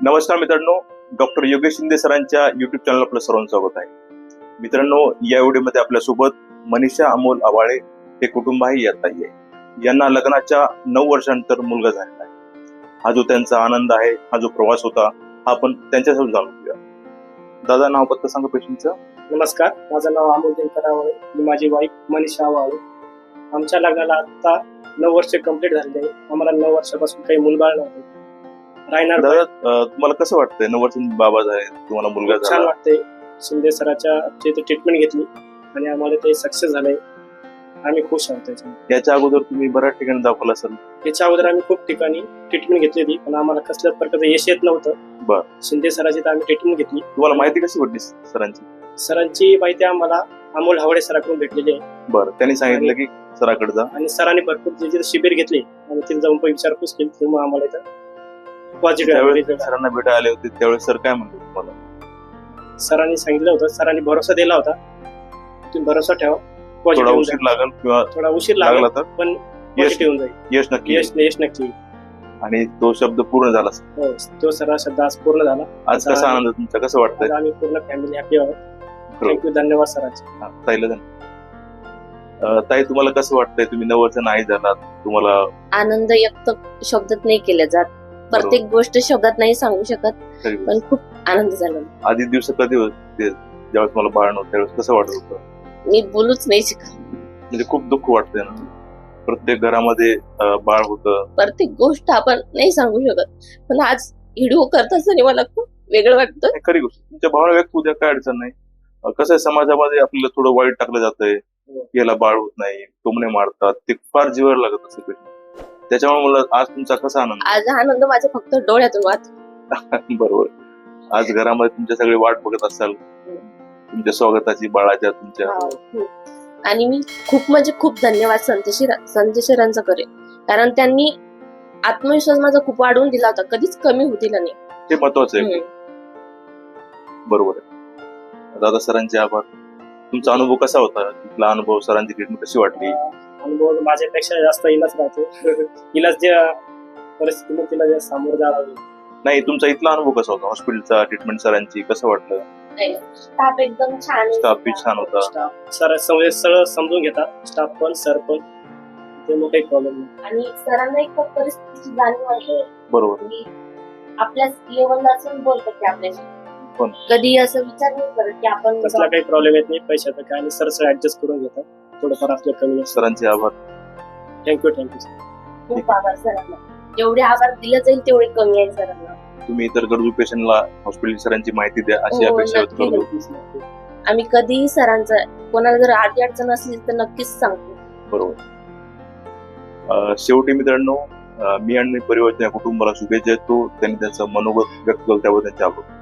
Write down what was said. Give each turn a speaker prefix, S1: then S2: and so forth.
S1: नमस्कार मित्रांनो, डॉक्टर योगेश शिंदे सरांच्या युट्यूब चॅनल आपलं सर्वांचं स्वागत आहे. मित्रांनो, या व्हिडिओमध्ये आपल्यासोबत मनीषा अमोल आवाळे हे कुटुंब आहे या ताई आहे. यांना लग्नाच्या 9 वर्षांनंतर मुलगा झालेला आहे. हा जो त्यांचा आनंद आहे, हा जो प्रवास होता, हा आपण त्यांच्यासोबत जाणून घेऊया. दादा, नाव पत्ता सांगा पेशंटचं.
S2: नमस्कार, माझं नाव अमोल दिनकर आवाळे, मी माझी वाईफ मनीषा आवाळे. आमच्या लग्नाला आता 9 वर्ष कंप्लीट झालेली आहे. आम्हाला 9 वर्षापासून काही मुलबाळ नव्हते. राहणार
S1: दादा, तुम्हाला कसं वाटतंय? 9 वर्षांनी बाबा झाले, तुम्हाला मुलगा
S2: छान
S1: झाला.
S2: वाटते. शिंदे सराच्या इथे ट्रीटमेंट घेतली आणि आम्हाला ते सक्सेस झालंय. आम्ही खुश आहोत त्याच्यामध्ये.
S1: याच्या अगोदर तुम्ही बऱ्याच ठिकाणी दाखवला असेल.
S2: याच्या अगोदर आम्ही खूप ठिकाणी ट्रीटमेंट घेतली होती, पण आम्हाला कसल्याच प्रकारचं यश येत नव्हतं.
S1: बरं.
S2: शिंदे सराची तर आम्ही ट्रीटमेंट घेतली.
S1: तुम्हाला माहिती कशी वाटली सरांची?
S2: सरांची माहिती आम्हाला अमोल हावडे सराकडून भेटलेली आहे
S1: बरं, त्यांनी सांगितलं की सराकडे जा.
S2: आणि सरांनी भरपूर तिथे शिबिर घेतले आणि तिथे जाऊन पण विचारपूस केली. तेव्हा आम्हाला इथं
S1: त्यावेळेस
S2: पॉझिटिव्ह
S1: सरांना भेटायला आले होते, त्यावेळेस सर काय म्हणले तुम्हाला?
S2: सरांनी सांगितलं होतं, सरांनी भरोसा दिला होता, तुम्ही भरोसा ठेवा,
S1: थोडा
S2: पॉझिटिव्ह
S1: उशीर लागेल किंवा
S2: थोडा उशीर लागला
S1: लागला तर
S2: पण
S1: यश
S2: पॉझिटिव्ह होऊन जाईल.
S1: यश नक्की येईल.
S2: यश नक्की.
S1: आणि तो शब्द पूर्ण झाला.
S2: हो, तो सरा शब्द आज पूर्ण झाला.
S1: आज कसा आनंद तुमचा, कसं
S2: आज
S1: वाटतंय?
S2: आम्ही पूर्ण फॅमिली हॅपी आहोत. थँक्यू, धन्यवाद सरांचे.
S1: ताईला ताई, तुम्हाला कसं वाटतंय? तुम्ही 9 वर्ष नाही झालात, तुम्हाला
S3: आनंद व्यक्त शब्दात नाही केला जात. प्रत्येक गोष्ट शब्दात नाही सांगू शकत,
S1: तरी
S3: पण खूप आनंद झाला.
S1: आधी दिवस कधी होते ज्यावेळेस मला बाळ नव्हतं, त्यावेळेस कसं वाटत होतं?
S3: मी बोलूच नाही शकत.
S1: म्हणजे खूप दुःख वाटतंय ना. प्रत्येक घरामध्ये बाळ होतं.
S3: प्रत्येक गोष्ट आपण नाही सांगू शकत, पण आज व्हिडिओ करत असताना मला खूप वेगळं वाटतं.
S1: हे खरी गोष्ट. तुमच्या भावना व्यक्त होऊ द्या, काय अडचण नाही. कसं आहे, समाजामध्ये आपल्याला थोडं वाईट टाकलं जातंय, याला बाळ होत नाही, टोमणे मारतात, ते फार जीवावर लागत असते. त्याच्यामुळे मला आज तुमचा कसा आनंद?
S3: आज आनंद माझ्या फक्त डोळ्यातून वाहतो.
S1: बरोबर. आज घरामध्ये तुमच्या सगळे वाट बघत असाल तुमच्या स्वागताची, बाळाच्या तुमच्या.
S3: आणि मी खूप म्हणजे खूप धन्यवाद संजय सरांचा करेन, कारण त्यांनी आत्मविश्वास माझा खूप वाढवून दिला होता, कधीच कमी होऊ दिला नाही.
S1: ते महत्वाचं आहे. बरोबर आहे. दादा, सरांचे आभार. तुमचा अनुभव कसा होता? तिथला अनुभव, सरांची ट्रीटमेंट कशी वाटली?
S2: अनुभव माझ्यापेक्षा जास्त इलाज राहतो. इलाज ज्या परिस्थितीने तिला जे सामोरं जावं लागलं.
S1: नाही, तुमचा इथला अनुभव कसा होता? हॉस्पिटलचा ट्रीटमेंट सरांची कसं वाटलं?
S3: स्टाफ एकदम छान,
S1: स्टाफ बी छान होता.
S2: स्टाफ सर सगळं समजून घेतात, स्टाफ पण सर पण, ते मोठा एक प्रॉब्लेम नाही.
S3: आणि सरांना एक परिस्थितीची जाणीव आहे.
S1: बरोबर.
S3: की आपल्या लेवलला असून बोलतात ते आपल्याशी,
S1: पण
S3: कधी असं विचार नाही करत की आपण
S2: कसला काही प्रॉब्लेम येत नाही पैशाचा काय, आणि सर ऍडजस्ट करून घेतात. थोडंफार आपलं कमी.
S1: सरांचे आभार.
S2: Thank you sir.
S3: खूप आभार सरांना. जेवढे आभार दिले जाईल तेवढे कमी आहे सरांना.
S1: तुम्ही इतर गरजू पेशंटला हॉस्पिटल सरांची माहिती द्या, अशी
S3: हो,
S1: अपेक्षा व्यक्त
S3: नक्की,
S1: करतो.
S3: नक्की. आम्ही कधीही सरांचं, कोणाला जर आडी अडचण असली तर नक्कीच सांगतो.
S1: बरोबर. शेवटी मित्रांनो, मी आणि परिवार या कुटुंबाला शुभेच्छा देतो. त्यांनी त्यांचं मनोगत व्यक्त केलं, त्याबद्दल त्यांचे आभार.